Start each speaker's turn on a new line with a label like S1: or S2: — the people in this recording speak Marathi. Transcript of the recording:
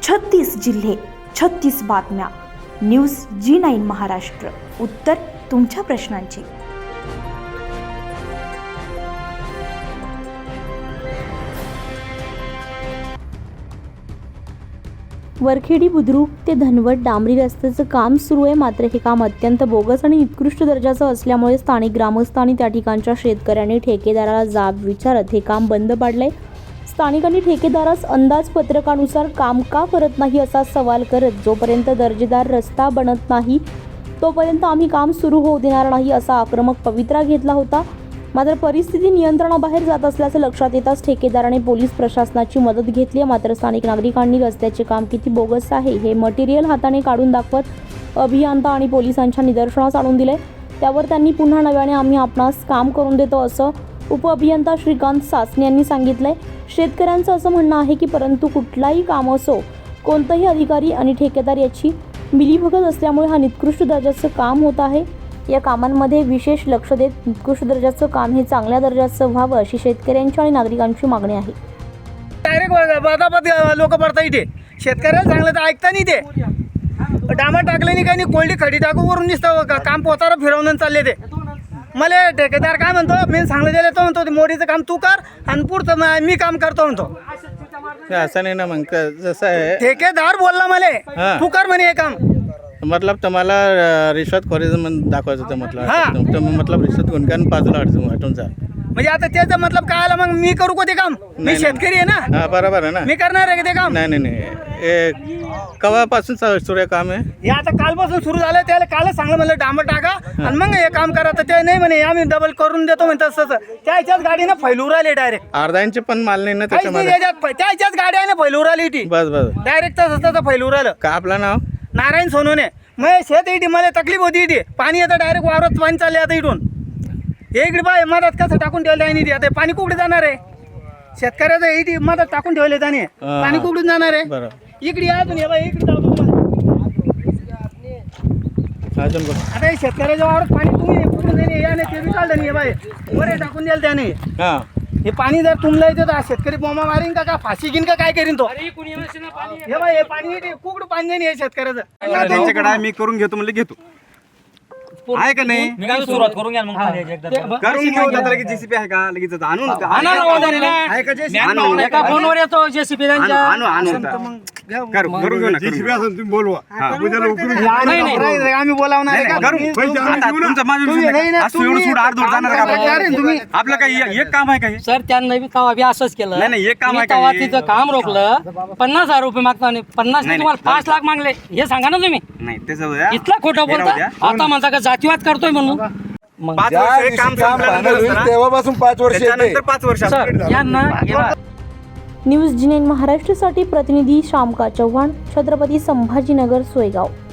S1: 36 जिल्हे, 36 बातम्या. News G9 Maharashtra. उत्तर तुमच्या प्रश्नांची.
S2: वरखेडी बुद्रुक ते धनवट डांबरी रस्त्याचं काम सुरू आहे. मात्र हे काम अत्यंत बोगस आणि निकृष्ट दर्जाचं असल्यामुळे स्थानिक ग्रामस्थ आणि त्या ठिकाणच्या शेतकऱ्यांनी ठेकेदाराला जाब विचारत हे काम बंद पाडलंय. स्थानिकांनी ठेकेदारास अंदाजपत्रकानुसार काम का करत नाही असा सवाल करत जोपर्यंत दर्जेदार रस्ता बनत नाही तोपर्यंत आम्ही काम सुरू होऊ देणार नाही असा आक्रमक पवित्रा घेतला होता. मात्र परिस्थिती नियंत्रणाबाहेर जात असल्याचं लक्षात येताच ठेकेदाराने पोलीस प्रशासनाची मदत घेतली. मात्र स्थानिक नागरिकांनी रस्त्याचे काम किती बोगस आहे हे मटेरियल हाताने काढून दाखवत अभियंता आणि पोलिसांच्या निदर्शनास आणून दिले. त्यावर त्यांनी पुन्हा नव्याने आम्ही आपणास काम करून देतो असं उपअभियंता श्रीकांत सासने यांनी सांगितलंय. शेतकऱ्यांचं असं म्हणणं आहे की परंतु कुठलाही काम असो कोणताही अधिकारी आणि ठेकेदार याची मिलीभगत असल्यामुळे हा निकृष्ट दर्जाचं काम होत आहे. या कामांमध्ये विशेष लक्ष देत निकृष्ट दर्जाचं काम हे चांगल्या दर्जाचं व्हावं अशी शेतकऱ्यांची आणि नागरिकांची मागणी आहे.
S3: डायरेक्ट बदाबद लोक पडतात इथे. शेतकऱ्याला चांगलं तर ऐकता नाही ते. डांबर टाकले नाही काही नाही, कोल्डी खडी टाकू वरून दिसतं काम पोतारा फिरवून चालले ते. मला ठेकेदार काय म्हणतो, मी सांगलं दिलं तो म्हणतो मोडीचं काम तू कर आणि पुढचं मी काम करतो म्हणतो.
S4: असं नाही ना मग जसं आहे
S3: ठेकेदार बोलला मला तू कर म्हणे हे काम.
S4: मतलब तुम्हाला रिश्वतखोरीचं दाखवायचं होतं मतलब रिश्वत गुणकान बाजूला हटून जा.
S3: म्हणजे आता त्याचा मतलब काय आला, मग मी करू का ते काम? मी शेतकरी आहे ना.
S4: हा बरोबर आहे ना,
S3: मी करणार आहे ते काम.
S4: नाही हे केव्हापासून सुरू आहे काम आहे?
S3: हे आता कालपासून सुरू झालं. त्याला कालच सांगलं म्हणलं डांबर टाका आणि मग हे काम करा. तर ते नाही म्हणे आम्ही डबल करून देतो म्हणतात. तसं त्याच्याच गाडीनं फैलूर आले डायरेक्ट.
S4: अर्धा इंच पण माल नाही ना त्याच्यामध्ये.
S3: त्याच्याच गाड्याने फैलूर आली ती.
S4: बस
S3: डायरेक्ट तसं फैलूर आलं.
S4: का आपलं नाव
S3: नारायण सोनवणे. मग शेत इथे मला तकलीफ होती इथे. पाणी येतं डायरेक्ट वावरात पाणी चालले आता इथून. हे इकडे बाय मधात कसं टाकून ठेवलं आहे नाही. आता पाणी कुठे जाणार आहे? शेतकऱ्याचं इथे मधात टाकून ठेवले त्याने. पाणी कुठून जाणार आहे? इकडे या तुम्ही. इकडे जाऊ आता हे शेतकऱ्याच्या वावरात पाणी तुम्ही कुठून देणे याने ते बी काढलं नाही. बाय वर टाकून द्याल त्याने. हे पाणी जर तुमला येतं तर शेतकरी बोमा मारीन का फाशी घेईन का काय करीन तो? हे बाय हे पाणी कुठं पाणी देणे हे शेतकऱ्याचं.
S5: त्यांच्याकडे मी करून घेतो म्हणजे घेतो आहे का नाही.
S6: सुरुवात करून घ्या मग
S5: करून घेऊ. आता लगेच जेसीपी आहे का? लगेच आणून
S6: एका फोनवर येतो जेसीबी त्यांच्या.
S5: करून घेऊ ना. जेसीबी असेल तुम्ही बोलवा.
S3: आम्ही बोलावणार
S5: आपलं काही एक काम आहे का?
S6: सर त्यांना बी तवा बी असंच केलं.
S5: नाही एक काम आहे
S6: तवा तिचं काम रोखलं. 50,000 रुपये मागता 50 नाही तुम्हाला 5 लाख मागले. हे सांगा ना तुम्ही.
S5: नाही त्याचं
S6: इतला खोटं बोलता. आता म्हणता का जातीवाद करतोय म्हणून.
S5: 5 वर्ष काम
S7: तेव्हापासून 5 वर्ष
S5: त्याच्यानंतर 5 वर्ष
S6: यांना
S2: न्यूज G9 महाराष्ट्रासाठी प्रतिनिधी श्यामका चव्हाण, छत्रपती संभाजीनगर, सोयगाव.